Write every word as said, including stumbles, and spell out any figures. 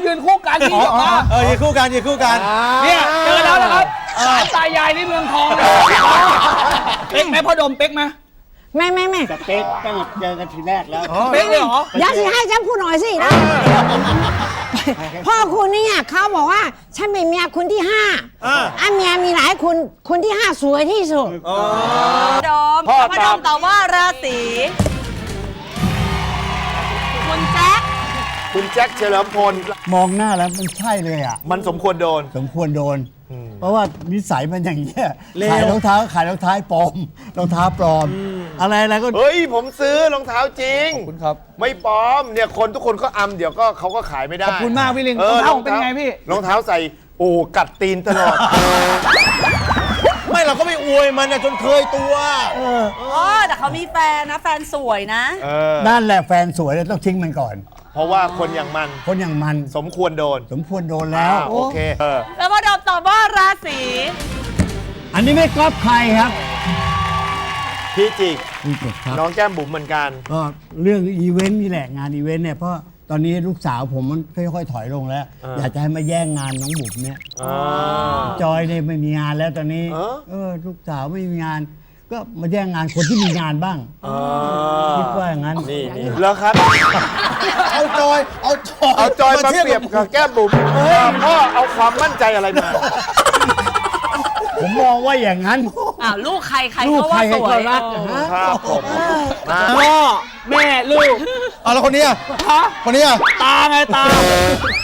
ยืนคู่กันที่แบบว่าเออยืนคู่กันยืนคู่กันเนี่ยเจอแล้วนะครับศาลตายายที่เมืองทองเลยเป๊กไหมพ่อดมเป๊กไหมไม่ไม่ไม่สเต็กตั้งแต่เจอกันทีแรกแล้วเป๊กเลยเหรออย่าสิให้ฉันพูดหน่อยสินะพ่อคุณเนี่ยเขาบอกว่าฉันเป็นเมียคุณที่ห้าอ่ะเมียมีหลายคุณคุณที่ห้าสวยที่สุดดอมพ่อดอมตอบว่าราศีคุณแจ็คคุณแจ็คเฉลิมพลมองหน้าแล้วมันใช่เลยอ่ะมันสมควรโดนสมควรโดน เพราะว่านิสัยมันอย่างเงี้ยขายรองเท้าขายรองเท้าปลอมรองเท้าปลอม อะไรอะไรก็เฮ้ย ผมซื้อรองเท้าจริงขอบคุณครับไม่ปลอมเนี่ยคนทุกคนก็อำเดี๋ยวก็เขาก็ขายไม่ได้ขอบคุณมากพี่ลิงออรองเท้าผมเป็นไงพี่รองเท้าใส่โอ้กัดตีนตลอดไม่เราก็ไม่อวยมันนะจนเคยตัวอ๋อแต่เขามีแฟนนะแฟนสวยนะเออนั่นแหละแฟนสวยแล้วต้องทิ้งมันก่อนเพราะว่าคนอย่างมันคนอย่างมันสมควรโดนสมควรโดนแล้วอ่าโอเคเออแล้วพ่อดอมตอบว่าราศีอันนี้ไม่ก๊อปใครครับพี่จิกนี่จบครับน้องแก้มบุ๋มเหมือนกันก็เรื่องอีเวนต์นี่แหละงานอีเวนต์เนี่ยเพราะตอนนี้ลูกสาวผมมันค่อยๆถอยลงแล้วอ่าอยากจะให้มาแย่งงานน้องบุ๋มเนี่ยอ่าจอยเนี่ยไม่มีงานแล้วตอนนี้เออเออลูกสาวไม่มีงาน ก็มาแย่งงานคนที่มีงานบ้างอ่าคิดว่าอย่างนั้นนี่นี่แล้วครับเอาจอย เอาจอยเอาจอยมาเปรียบกับแก้มบุ๋มพ่อเอาความมั่นใจอะไรมาผมมองว่าอย่างนั้นอ้าวลูกใครใครลูกก็ใครว่าสใครวก็ยรักเออนะครับผมมาพ่อแม่ลูกเอาแล้วคนนี้อ่ะฮะคนนี้อ่ะตาไงตา